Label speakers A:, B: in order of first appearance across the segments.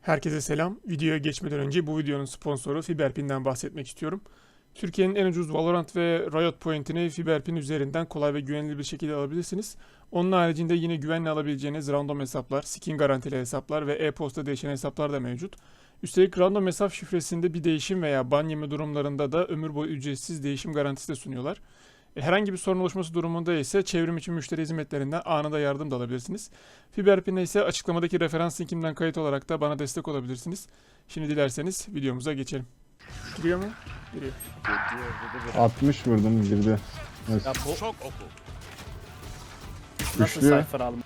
A: Herkese selam. Videoya geçmeden önce bu videonun sponsoru Fiberpin'den bahsetmek istiyorum. Türkiye'nin en ucuz Valorant ve Riot Point'ini Fiberpin üzerinden kolay ve güvenilir bir şekilde alabilirsiniz. Onun haricinde yine güvenle alabileceğiniz random hesaplar, skin garantili hesaplar ve e-posta değişen hesaplar da mevcut. Üstelik random hesap şifresinde bir değişim veya ban yeme durumlarında da ömür boyu ücretsiz değişim garantisi de sunuyorlar. Herhangi bir sorun oluşması durumunda ise çevrim içi müşteri hizmetlerinden anında yardım da alabilirsiniz. Fiberpin'e ise açıklamadaki referans linkimden kayıt olarak da bana destek olabilirsiniz. Şimdi dilerseniz videomuza geçelim. Giriyor mu? Giriyor.
B: 60 vurdum girdi. Evet.
C: Ya bu
D: Çok oku.
C: nasıl
B: Güçlü.
C: sayfa alma?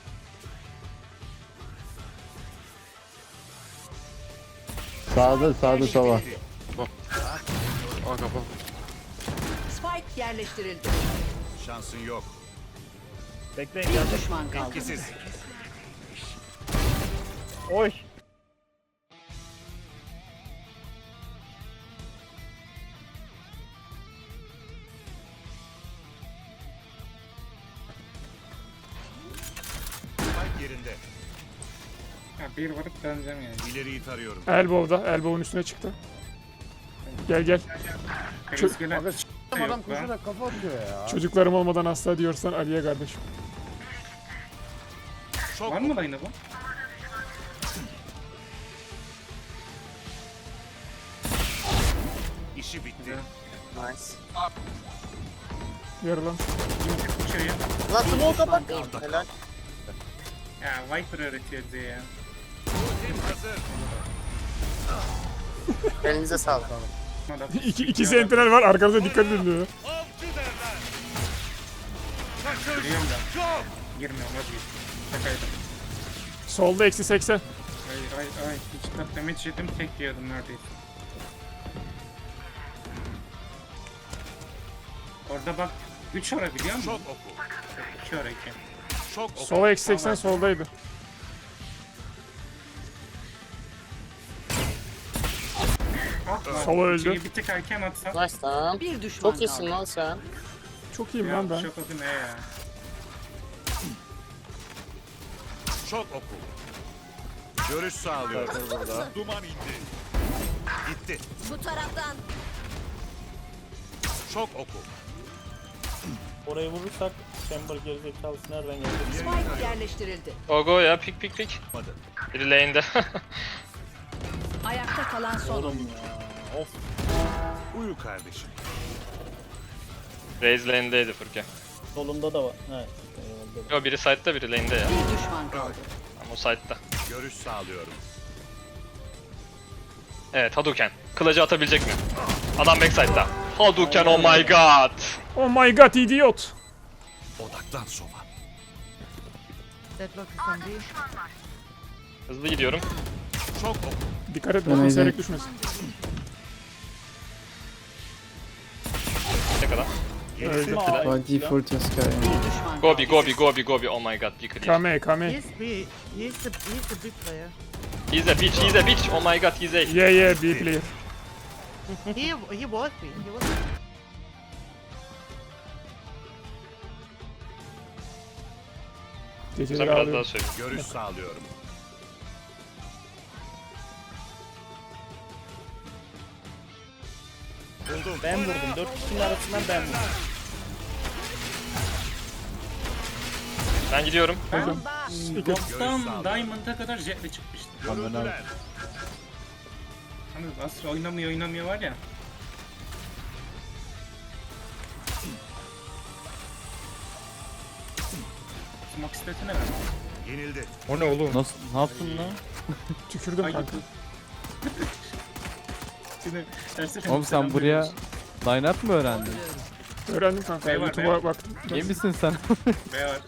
B: Sağda sola.
D: Aa kapa.
E: Spike yerleştirildi.
D: Şansın yok.
C: Bekleyin
E: Bir
C: geldim.
E: düşman kaldı.
D: İkisiz.
C: Oy.
D: Spike yerinde.
F: Ya bir vurup döneceğim yani.
D: İleriyi tarıyorum.
A: Elbow'un üstüne çıktı. Gel.
F: Kriz gelen
G: Adam
F: yok lan.
G: koşarak kafa atıyor ya.
A: Çocuklarım olmadan asla diyorsan Ali'ye kardeşim.
D: Çok
F: Var mı dayına bu?
D: İşi bitti.
A: Yarı lan.
F: İçeriye.
G: Lan smoke'a bak.
E: Düşman
G: Helal.
F: Ya Viper öğretiyor bize ya.
D: Ultim hazır.
G: Elinize sağlık.
F: Adam
A: İki sentinel var, arkanıza dikkat edin diyor.
D: Avcı derler.
F: Giriyorum da.
D: Çok.
F: Girmiyorum vazgeçtim. Şakaydı.
A: Solda eksi 80.
F: Ay. Hiç kat damage yedim tek yiyordum neredeyse. Orada bak 3 ara biliyor musun?
D: Çok oku.
F: 2 ara 2.
D: Çok oku.
A: Sola eksi 80 soldaydı. Sola öldü.
F: Şeyi bir tık erken atsan.
G: Nice lan.
E: Bir düşman
G: Çok iyisin
E: kaldı.
G: lan sen.
A: Çok iyiyim
F: Ya
A: lan ben.
F: çok adı ne ya?
D: Çok oku. Görüş sağlıyorum. Duman indi. Gitti.
E: Bu taraftan.
D: Çok oku.
C: Orayı vurursak Chamber gerizekalısı nereden geldi?
E: Spike yerleştirildi.
H: Go ya pik.
D: Olmadı.
H: Biri lane'de.
E: Ayakta kalan son
C: Oğlum
E: oyuncu.
C: ya. Of.
D: Uyu kardeşim.
H: Raze lane'deydi Furkan.
C: Solunda da var. He. Eyvallah.
H: Yo biri side'da biri lane'de ya.
E: Bir düşman kaldı.
H: Ama o side'da.
D: Görüş sağlıyorum.
H: Evet Hadouken. Kılıcı atabilecek mi? Adam backside'da. Hadouken oh my god.
A: Oh my god idiot.
D: Odaklan sova.
H: Hızlı gidiyorum.
D: Çok oku.
A: Dikkat et bakın seyrek düşmesin.
H: Ne kadar?
A: Öldü.
C: By default
E: Bir düşman kaldı.
H: Gobi oh my god. Be clear.
A: Kame.
I: He's the big player.
H: He's a bitch. Oh my god he's a...
A: Yeah, B player.
I: He was me. He was.
H: Sen
A: Geceleri
H: biraz daha
A: ağlıyorum.
H: söyle.
D: Görüş sağlıyorum. Buldum.
C: Ben vurdum. 4 kişinin arasından ben vurdum.
H: Ben gidiyorum.
F: Gold'dan Diamond'a kadar jetle çıkmıştım.
D: Görüldüler.
F: Hani Astra oynamıyor var ya. Smoke statine ver.
D: Yenildi.
B: Nasıl? Ne yaptın lan?
A: Tükürdüm
F: Ay,
A: kanka.
F: Şimdi tersine
J: Oğlum sen buraya line-up mı öğrendin?
A: Öğrendim kanka.
F: Bey var,
A: YouTube'a baktım.
J: İyi misin sen?
F: B var.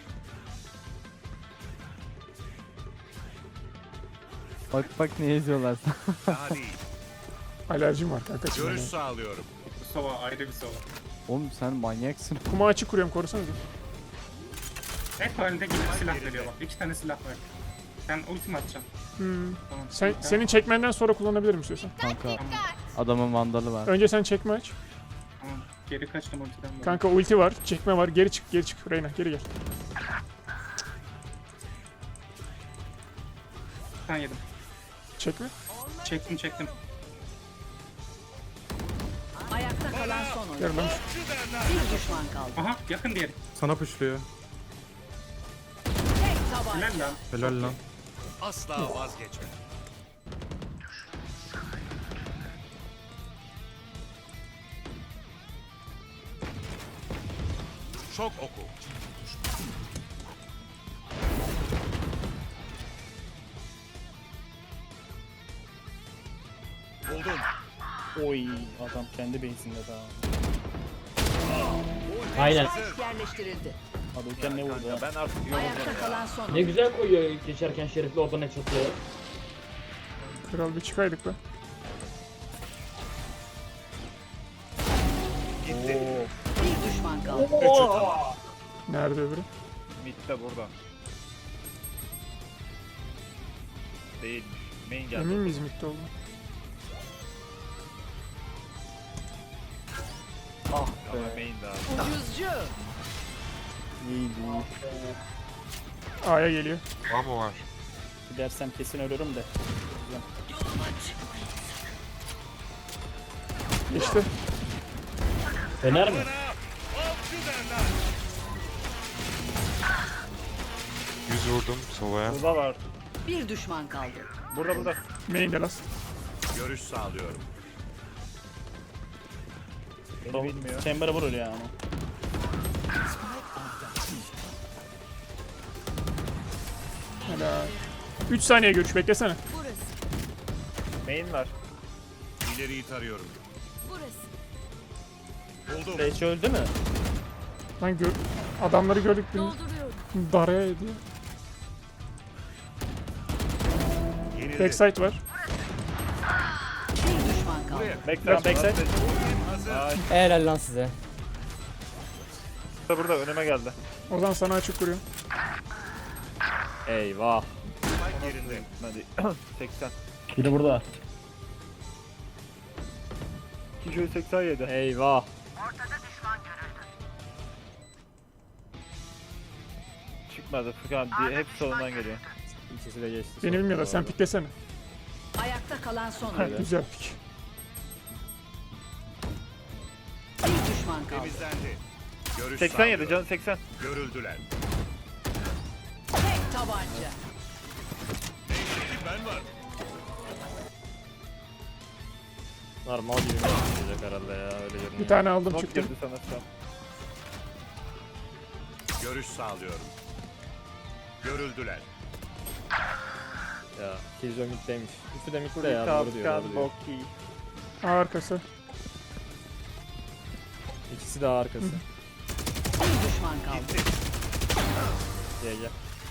J: Bak ne yazıyorlar sana.
D: Daha değil.
A: Alerjim var kanka.
D: Görüş sağlıyorum.
F: Bu sova ayrı bir sova.
J: Oğlum sen manyaksın.
A: Kuma açık kuruyorum, korusanıza.
F: Hep halinde gidip silah veriyor bak. 2 tane silah var. Sen ultim atacaksın. Tamam.
A: Senin çekmenden sonra kullanabilirim istiyorsan.
J: Kanka adamın vandalı var.
A: Önce sen çekme aç.
F: Tamam. Geri kaçtım ultiden. böyle.
A: Kanka ulti var, çekme var. Geri çık. Reyna geri gel.
F: Ben yedim.
A: Çekme.
F: Çektim.
E: Ayakta kalan son oyuncu.
A: Yaralamış.
E: Bir düşman kaldı.
F: Aha yakın diğeri.
K: Sana puşluyor.
E: Tek tabanca.
F: Helal lan.
K: Helal lan.
D: Asla vazgeçme. Şok oku. Buldum.
C: Oy adam kendi base'inde daha.
L: Aynen.
E: Spike yerleştirildi.
C: Hadouken ne vurdu ha?
D: Ben artık
E: Ayakta kalan son
L: Ne
E: oyuncu.
L: güzel koyuyor geçerken şerifli oradan ne çatıyor.
A: Kral bir çıkaydık be.
E: Bir düşman kaldı.
A: Nerede öbürü?
H: Mid'de burada. Değil. Main geldi.
A: Emin miyiz midde oldu?
H: Ama main daha.
E: Ucuzcu.
A: A'ya geliyor.
C: Gidersem kesin ölürüm de.
A: İşte.
L: Fener mi?
H: Burada var.
E: Bir düşman kaldı.
H: Burada.
A: Main'de last.
D: görüş sağlıyorum.
C: Beni bilmiyor. Chamber'a vurur ya ama.
A: Helal. 3 saniye görüş beklesene.
H: Main var.
D: İleriyi tarıyorum. Buldum.
C: Beş öldü mü?
A: Lan adamları gördük bir daraya ediyor.
D: Yenildi.
A: Backside var.
E: Bir düşman kaldı.
C: Backside.
L: Helal lan size.
H: Burada önüme geldi.
A: Ozan sana açık kuruyor.
H: Eyvah. Yerinde. Hadi. 80.
C: Biri burada.
H: 287.
C: Eyvah.
H: Çıkmadı. Furkan hep solundan geliyor.
C: İkisi de geçti.
A: Beni bilmiyorlar sen piklesene.
E: Ayakta kalan son oyuncu.
A: Güzel pik.
E: Bir düşman kaldı.
D: Temizlendi. Görüş
H: 87
D: sağlıyorum.
H: canı 80.
D: Görüldüler.
E: Tek tabanca.
D: Ben var.
C: Normal gibi olacak herhalde ya öyle görünüyor.
A: Bir tane aldım
H: Nok
A: çıktım.
H: girdi sana şu an.
D: Görüş sağlıyorum. Görüldüler.
C: Ya Killjoy mid'deymiş. Üçü de mid'de
H: Furkan,
C: ya doğru diyor.
H: Furkan,
C: Doğru diyor.
H: Boki.
A: A arkası.
C: İkisi de arkası.
E: Bir düşman kaldı.
C: Gel.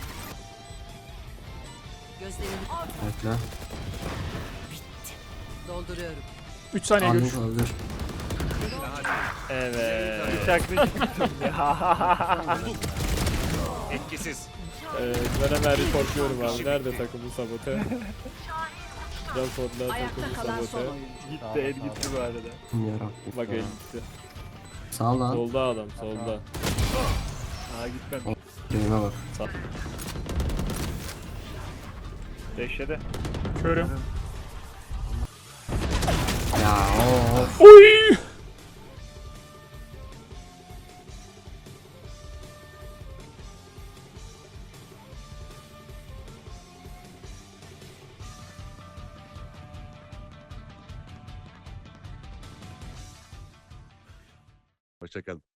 E: Gözlerini
B: Bekle.
E: dolduruyorum.
A: 3 saniye görüş.
B: öldür.
C: Evet.
H: Bıçaklı çıktım ya.
D: Etkisiz.
C: Ben hemen reportluyorum abi. Nerede takımın sabote? Raporlar
E: Ayakta
C: takımın
E: kalan son
C: sabote.
E: oyuncu.
H: Gitti el gitti bu arada.
C: Bak el gitti.
B: Sağ lan.
C: Solda adam solda.
H: Aa gitmem.
B: Keyime bak.
H: Deşede.
A: Körüm.
B: Ya of.
A: Oy!
D: Hoşçakalın.